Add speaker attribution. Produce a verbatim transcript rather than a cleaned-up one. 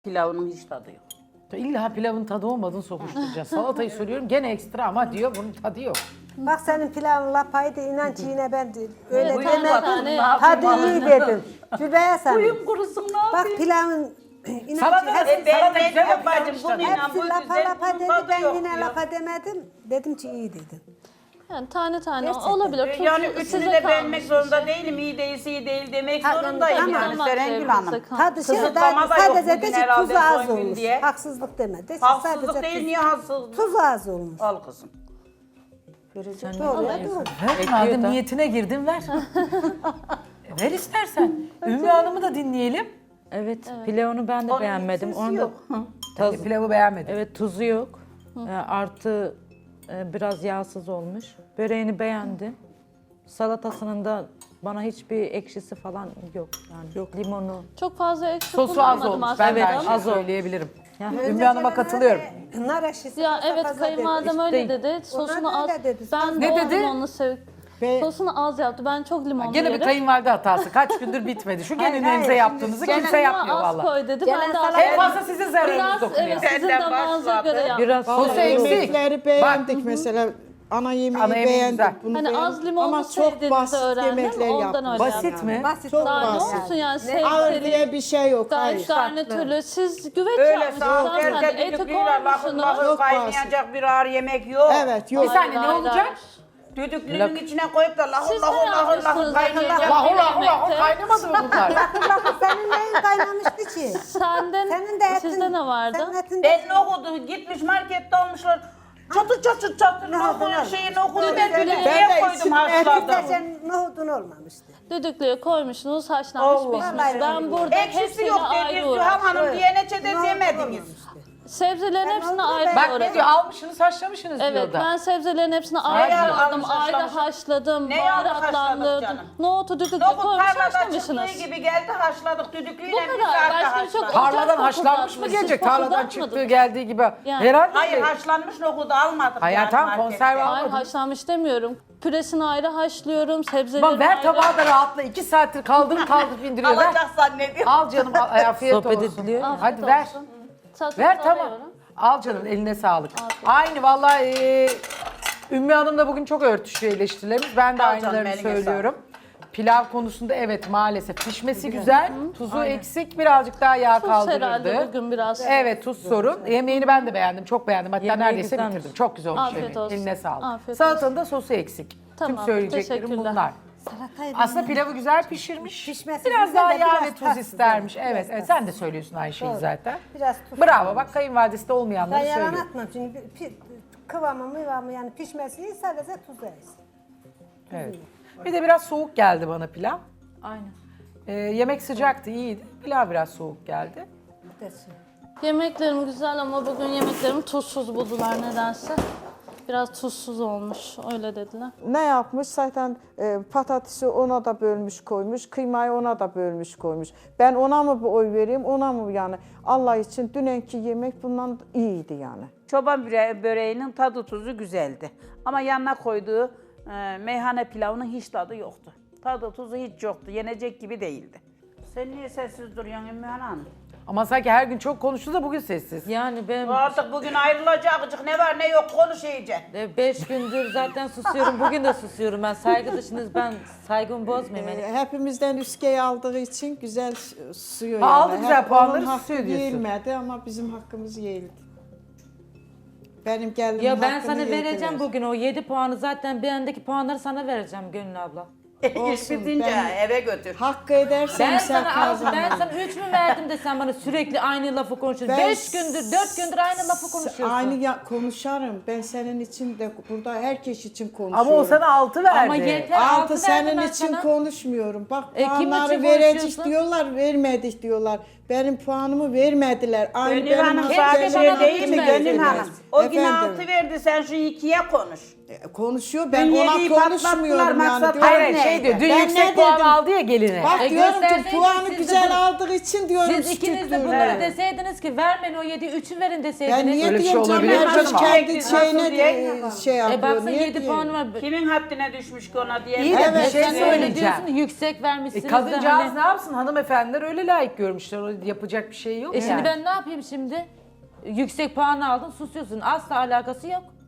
Speaker 1: Pilavının hiç tadı yok.
Speaker 2: İlla pilavın tadı olmadığını sokuşturacağız. Salatayı söylüyorum gene ekstra ama diyor bunun tadı yok.
Speaker 3: Bak senin pilavın lapaydı inan ki yine ben de öyle
Speaker 4: Evet,
Speaker 3: demedim.
Speaker 4: tane
Speaker 3: Tadı iyi dedim. Zübeyye sen.
Speaker 1: Kuyum kurusun ne
Speaker 3: Bak
Speaker 1: yapayım?
Speaker 3: pilavın inan
Speaker 2: Salata-
Speaker 3: ki hepsi,
Speaker 1: E ben
Speaker 2: Salata
Speaker 1: ne
Speaker 2: güzel
Speaker 1: diyorum bacım
Speaker 2: yapmış
Speaker 1: bunu
Speaker 2: tabii.
Speaker 1: inan
Speaker 3: hepsi
Speaker 1: bu
Speaker 3: lapa
Speaker 1: güzel
Speaker 3: lapa
Speaker 1: bunun
Speaker 3: dedi
Speaker 1: tadı
Speaker 3: ben
Speaker 1: yok
Speaker 3: yine
Speaker 1: diyor.
Speaker 3: lapa demedim. Dedim ki iyi dedim.
Speaker 4: Yani tane tane
Speaker 3: Gerçekten.
Speaker 4: olabilir.
Speaker 1: E
Speaker 4: Tuzlu
Speaker 1: Yani
Speaker 4: size
Speaker 1: üçünü de
Speaker 4: kalmış
Speaker 1: beğenmek
Speaker 4: bir
Speaker 1: zorunda
Speaker 4: şey.
Speaker 1: değilim. İyi değilse iyi değil demek
Speaker 3: Ha,
Speaker 1: zorundayım
Speaker 3: tamam.
Speaker 1: yani
Speaker 4: Damak
Speaker 1: Serengül
Speaker 4: zevkinize
Speaker 1: Hanım.
Speaker 4: kalmış.
Speaker 3: Tadı şey
Speaker 1: Kısıtlama da yok
Speaker 3: sadece de
Speaker 1: bugün
Speaker 3: ki
Speaker 1: herhalde
Speaker 3: tuzu az
Speaker 1: son gün
Speaker 3: olmuş.
Speaker 1: diye.
Speaker 3: Haksızlık demedi.
Speaker 1: Haksızlık
Speaker 3: Sadece
Speaker 1: değil
Speaker 3: tuz-
Speaker 1: niye haksızlık?
Speaker 3: Tuzu az olmuş.
Speaker 1: Al kızım.
Speaker 3: Doğru ya doğru.
Speaker 2: Ver madem niyetine girdin ver. E, ver istersen. Ümmü Hanım'ı da dinleyelim.
Speaker 5: Evet, pilavını ben de
Speaker 1: Onun
Speaker 5: beğenmedim.
Speaker 1: sesi
Speaker 5: Onu da
Speaker 1: yok.
Speaker 5: taz,
Speaker 2: E, pilavı beğenmedim.
Speaker 5: evet tuzu yok. E, artı e, biraz yağsız olmuş. Böreğini beğendim. Salatasının da bana hiçbir ekşisi falan yok. Yani yok limonu.
Speaker 4: Çok fazla eksik
Speaker 2: Sosu az
Speaker 4: bulunmadım
Speaker 2: olmuş.
Speaker 4: aslında
Speaker 2: Ben de aynı
Speaker 4: ama-
Speaker 2: şeyi
Speaker 5: az olmuş.
Speaker 2: söyleyebilirim.
Speaker 5: Yani
Speaker 2: Ümmü Hanım'a katılıyorum.
Speaker 3: Nar eşisi
Speaker 4: Ya
Speaker 3: fazla
Speaker 4: evet
Speaker 3: fazla
Speaker 4: kayınvalidem
Speaker 3: dedi.
Speaker 4: öyle dedi. Sosunu
Speaker 3: Onlar
Speaker 4: az.
Speaker 3: öyle dedi.
Speaker 4: Ben
Speaker 2: Ne
Speaker 4: de o
Speaker 2: dedi?
Speaker 4: limonlu sev.
Speaker 3: Be-
Speaker 4: Sosunu az yaptı. Ben çok limonlu
Speaker 2: Gene bir
Speaker 4: yerim.
Speaker 2: kayınvalide hatası. Kaç gündür bitmedi. Şu
Speaker 3: Hayır,
Speaker 2: gelinlerinize
Speaker 3: hayır,
Speaker 2: yaptığınızı
Speaker 4: Gene
Speaker 2: kimse yapmıyor
Speaker 4: az
Speaker 2: valla.
Speaker 4: koy dedi.
Speaker 3: Gene
Speaker 4: Ben de az
Speaker 3: salata-
Speaker 2: En
Speaker 4: koydum.
Speaker 2: fazla sizin zararınız
Speaker 4: Biraz
Speaker 2: dokunuyor.
Speaker 4: evet sizin
Speaker 1: Benden
Speaker 4: damağınıza
Speaker 1: başladı.
Speaker 4: göre yaptım.
Speaker 5: biraz
Speaker 2: Sosu eksik.
Speaker 6: Yemekleri beğendik mesela. Ana yemeği
Speaker 2: Ana yemeği
Speaker 6: beğendik.
Speaker 2: güzel.
Speaker 6: Bunu
Speaker 4: Hani
Speaker 6: beğendik.
Speaker 4: az limonlu
Speaker 6: Ama çok
Speaker 4: sevdiğinizi
Speaker 6: basit
Speaker 4: öğrendim,
Speaker 6: yemekler
Speaker 4: ondan
Speaker 6: yaptık.
Speaker 4: öyle
Speaker 2: Basit mi?
Speaker 3: Basit
Speaker 6: Çok
Speaker 4: Daha ne
Speaker 6: basit.
Speaker 4: olsun yani
Speaker 6: Ağır
Speaker 4: sebzeli,
Speaker 6: diye bir şey yok.
Speaker 4: gar-
Speaker 6: Hayır.
Speaker 4: garnitürlü. Siz güveç
Speaker 1: Öyle
Speaker 4: yapmışsınız
Speaker 1: sağ ol.
Speaker 4: hanımefendi.
Speaker 1: Erkek
Speaker 4: Eti
Speaker 1: düdüklüyle lahır
Speaker 4: koymuşsunuz.
Speaker 1: lahır
Speaker 6: Yok
Speaker 1: kaynayacak bir ağır yemek yok.
Speaker 6: Evet yok.
Speaker 2: Bir saniye ne
Speaker 4: Hayır,
Speaker 2: olacak?
Speaker 4: hayır.
Speaker 1: Düdüklünün içine koyup da lahır
Speaker 4: Siz ne
Speaker 1: lahır lahır lahır
Speaker 4: yapıyorsunuz
Speaker 1: kaynayacak.
Speaker 4: acaba?
Speaker 2: Lahul
Speaker 4: Bir
Speaker 2: lahul lahul
Speaker 4: yemekte.
Speaker 2: kaynamadı mı bunlar?
Speaker 3: Lafı senin neyin kaynamıştı ki?
Speaker 4: Senden,
Speaker 3: Senin de etin.
Speaker 4: sizde ne vardı?
Speaker 3: Senin etin de.
Speaker 1: Ben nohudu gitmiş markette almışlar. Çatır çatır çatır nohudu şeyi nohudu
Speaker 4: Ben
Speaker 1: ben
Speaker 4: de
Speaker 1: düdüklüye koydum
Speaker 3: Etin
Speaker 1: haşladım.
Speaker 3: de senin nohudun olmamıştı.
Speaker 4: Düdüklüye koymuşsunuz, haşlanmış
Speaker 1: Allah.
Speaker 4: pişmiş. Ben burada
Speaker 1: Ekşisi
Speaker 4: hepsiyle
Speaker 1: yok
Speaker 4: ayrı
Speaker 1: dediniz Sühal Hanım
Speaker 4: uğraşıyorum.
Speaker 1: diyene çede
Speaker 3: Nohudun
Speaker 1: demediniz.
Speaker 3: olmamıştı.
Speaker 4: Sebzelerin
Speaker 3: Ben
Speaker 4: hepsini
Speaker 3: onu
Speaker 4: ayrı
Speaker 3: da
Speaker 2: Bak ne
Speaker 4: doğradım.
Speaker 2: diyor almışsınız haşlamışsınız diyor
Speaker 4: Evet
Speaker 2: da.
Speaker 4: ben sebzelerin hepsini ayrı
Speaker 1: Neyi
Speaker 4: doğradım,
Speaker 1: almış,
Speaker 4: ayrı
Speaker 1: haşlamış?
Speaker 4: haşladım,
Speaker 1: Neyi aldık, haşladık
Speaker 4: baharatlandırdım.
Speaker 1: canım?
Speaker 4: Nohutu düdüklüye
Speaker 1: Nohut
Speaker 4: koymuş
Speaker 1: tarladan
Speaker 4: haşlamışsınız.
Speaker 1: çıktığı gibi geldi haşladık düdüklüyle
Speaker 4: Bu
Speaker 1: bir
Speaker 4: kadar.
Speaker 1: saatte
Speaker 4: Başka bir şey yok.
Speaker 1: haşladık.
Speaker 2: Tarladan
Speaker 4: Ocak
Speaker 2: haşlanmış mı
Speaker 4: koklatmış,
Speaker 2: gelecek?
Speaker 4: siz
Speaker 2: Tarladan
Speaker 4: koklatmadınız.
Speaker 2: çıktığı geldiği gibi.
Speaker 4: Yani-
Speaker 2: Herhalde
Speaker 1: Hayır
Speaker 2: değil.
Speaker 1: haşlanmış nohudu almadık.
Speaker 2: Hayır,
Speaker 1: yani
Speaker 2: tamam,
Speaker 1: markette.
Speaker 2: konserve al-
Speaker 4: Hayır
Speaker 2: Almadım.
Speaker 4: haşlanmış demiyorum. Püresini ayrı haşlıyorum, sebzeleri
Speaker 2: Aman ver
Speaker 4: ayrı.
Speaker 2: tabağı da rahatla. İki saattir kaldırıp kaldırıp indiriyor. Ver.
Speaker 1: Alacak zannediyorum.
Speaker 2: Al canım al, afiyet
Speaker 5: Sohbet
Speaker 2: olsun.
Speaker 5: ediliyor.
Speaker 2: Hadi
Speaker 4: Afiyet
Speaker 2: ver.
Speaker 4: olsun. Satın
Speaker 2: Ver tamam.
Speaker 4: alıyorum.
Speaker 2: Al canım eline sağlık. Aynı vallahi e, Ümmü Hanım da bugün çok örtüşüyor eleştirilerimiz. Ben de
Speaker 1: Al canım,
Speaker 2: aynılarını
Speaker 1: eline
Speaker 2: söylüyorum. Pilav konusunda evet maalesef pişmesi güzel, tuzu eksik, birazcık daha yağ
Speaker 4: Tuz herhalde
Speaker 2: kaldırırdı.
Speaker 4: bugün biraz.
Speaker 2: Evet tuz sorun. Yemeğini ben de beğendim, çok beğendim. Hatta
Speaker 5: Yemeği
Speaker 2: neredeyse
Speaker 5: güzelmiş.
Speaker 2: bitirdim. Çok güzel olmuş
Speaker 4: Afiyet
Speaker 2: yemeğin.
Speaker 4: olsun.
Speaker 2: Eline sağlık.
Speaker 4: Afiyet
Speaker 2: Salatanın da sosu eksik.
Speaker 4: Tamam,
Speaker 2: Tüm söyleyeceklerim
Speaker 4: teşekkürler.
Speaker 2: bunlar.
Speaker 3: Salatayı
Speaker 2: Aslında pilavı güzel pişirmiş.
Speaker 3: Pişmesi
Speaker 2: biraz
Speaker 3: güzel
Speaker 2: daha
Speaker 3: de
Speaker 2: yağ
Speaker 3: biraz
Speaker 2: ve tuz
Speaker 3: tatsız,
Speaker 2: istermiş.
Speaker 3: evet,
Speaker 2: Evet,
Speaker 3: biraz
Speaker 2: evet sen de söylüyorsun aynı şeyi
Speaker 3: Doğru.
Speaker 2: zaten.
Speaker 3: Biraz tuz.
Speaker 2: Bravo bak kayınvalidesi de olmayanları
Speaker 3: Ben yalan
Speaker 2: söylüyor.
Speaker 3: atmam çünkü pi- pi- kıvamı mıvamı yani pişmesi iyi sadece tuz versin.
Speaker 2: Evet. Bir de biraz soğuk geldi bana pilav.
Speaker 5: Aynen.
Speaker 2: Ee, yemek sıcaktı, iyiydi. Pilav biraz soğuk geldi.
Speaker 3: Desin.
Speaker 4: Yemeklerim güzel ama bugün yemeklerimi tuzsuz buldular nedense. Biraz tuzsuz olmuş, öyle dediler.
Speaker 6: Ne yapmış? Zaten e, patatesi ona da bölmüş koymuş, kıymayı ona da bölmüş koymuş. Ben ona mı bir oy vereyim, ona mı yani? Allah için dünenki yemek bundan iyiydi yani.
Speaker 1: Çoban böre- böreğinin tadı tuzu güzeldi. Ama yanına koyduğu e, meyhane pilavının hiç tadı yoktu. Tadı tuzu hiç yoktu. Yenecek gibi değildi. Sen niye sessiz duruyorsun Ümmü Hanım?
Speaker 2: Ama sanki her gün çok konuştu da bugün sessiz.
Speaker 5: Yani ben
Speaker 1: Artık bugün ayrılacakcık ne var ne yok konuş iyice.
Speaker 5: e, beş gündür zaten susuyorum. Bugün de susuyorum. Ben saygı dışınız ben saygımı bozmayayım.
Speaker 6: E,
Speaker 5: Yani.
Speaker 6: hepimizden üskeyi aldığı için güzel susuyor
Speaker 2: Ha,
Speaker 6: yani.
Speaker 2: aldı güzel
Speaker 6: Hep
Speaker 2: puanları,
Speaker 6: onun hakkı
Speaker 2: susuyor diyorsun.
Speaker 6: Yenmedi ama bizim hakkımız yeğildi. Benim geldiğim
Speaker 5: Ya ben
Speaker 6: hakkını
Speaker 5: sana vereceğim
Speaker 6: yediler.
Speaker 5: bugün o yedi puanı zaten bir andaki puanları sana vereceğim Gönül abla.
Speaker 1: İş
Speaker 6: Olsun,
Speaker 1: bitince
Speaker 6: ben-
Speaker 1: eve götür.
Speaker 6: Hakkı edersen
Speaker 5: Ben
Speaker 6: sen
Speaker 5: sana az, ben
Speaker 6: kazanırsın.
Speaker 5: sana üç mü verdim de sen bana sürekli aynı lafı konuşuyorsun.
Speaker 6: Ben
Speaker 5: Beş gündür, dört gündür aynı lafı konuşuyorsun.
Speaker 6: Aynı ya, konuşarım. Ben senin için de burada herkes için konuşuyorum.
Speaker 2: Ama o sana altı verdi.
Speaker 5: Ama yeter altı
Speaker 6: Altı
Speaker 5: verdim
Speaker 6: senin
Speaker 5: ben
Speaker 6: için
Speaker 5: sana.
Speaker 6: konuşmuyorum. Bak
Speaker 5: E, kim
Speaker 6: puanları
Speaker 5: için
Speaker 6: verecek
Speaker 5: konuşuyorsun?
Speaker 6: diyorlar, vermedik diyorlar. Benim puanımı vermediler. Aynı
Speaker 1: Gönül
Speaker 6: benim
Speaker 1: Hanım
Speaker 5: Keşke
Speaker 1: sadece
Speaker 5: bana da
Speaker 1: değil mi
Speaker 5: üç
Speaker 1: Gönül
Speaker 5: verseydiniz.
Speaker 1: Hanım? O gün
Speaker 6: Efendim?
Speaker 1: altı verdi sen şu ikiye konuş.
Speaker 6: E, konuşuyor. Ben
Speaker 1: Dün
Speaker 6: ona
Speaker 1: yediği patlattılar,
Speaker 6: konuşmuyorum yani.
Speaker 1: maksat
Speaker 6: Diyorum,
Speaker 2: Hayır hayır şey
Speaker 1: neydi?
Speaker 2: diyor, dün
Speaker 6: Ben
Speaker 2: yüksek
Speaker 6: ne
Speaker 2: puan
Speaker 6: dedim?
Speaker 2: aldı ya geline.
Speaker 6: Bak
Speaker 5: E,
Speaker 6: diyorum ki
Speaker 5: gösterseydiniz
Speaker 6: puanı
Speaker 5: siz de
Speaker 6: güzel
Speaker 5: bunu-
Speaker 6: aldığı için diyorum
Speaker 5: Siz ikiniz de
Speaker 6: küçüktür.
Speaker 5: bunları deseydiniz ki vermeyin o yedi, üçü verin deseydiniz.
Speaker 6: Ben niye
Speaker 2: Öyle bir şey
Speaker 6: diyorum canım?
Speaker 2: olabilir mi
Speaker 6: Herkes
Speaker 2: canım?
Speaker 6: kendi
Speaker 1: Nasıl
Speaker 6: şeyine
Speaker 1: diye?
Speaker 6: de şey yapıyor.
Speaker 5: E baksana
Speaker 6: Niye
Speaker 5: yedi
Speaker 6: diyeyim?
Speaker 5: puanı var.
Speaker 1: Kimin haddine düşmüş ki ona diye.
Speaker 2: İyi de
Speaker 6: Evet,
Speaker 2: bir şey
Speaker 5: Sen öyle
Speaker 2: söyleyeceğim.
Speaker 5: diyorsun yüksek vermişsiniz
Speaker 2: E,
Speaker 5: de
Speaker 2: kadıncağız
Speaker 5: hani-
Speaker 2: ne yapsın? Hanımefendiler öyle layık görmüşler. O yapacak bir şey yok.
Speaker 5: E
Speaker 2: yani.
Speaker 5: şimdi ben ne yapayım şimdi? Yüksek puan aldın, susuyorsun. Asla alakası yok.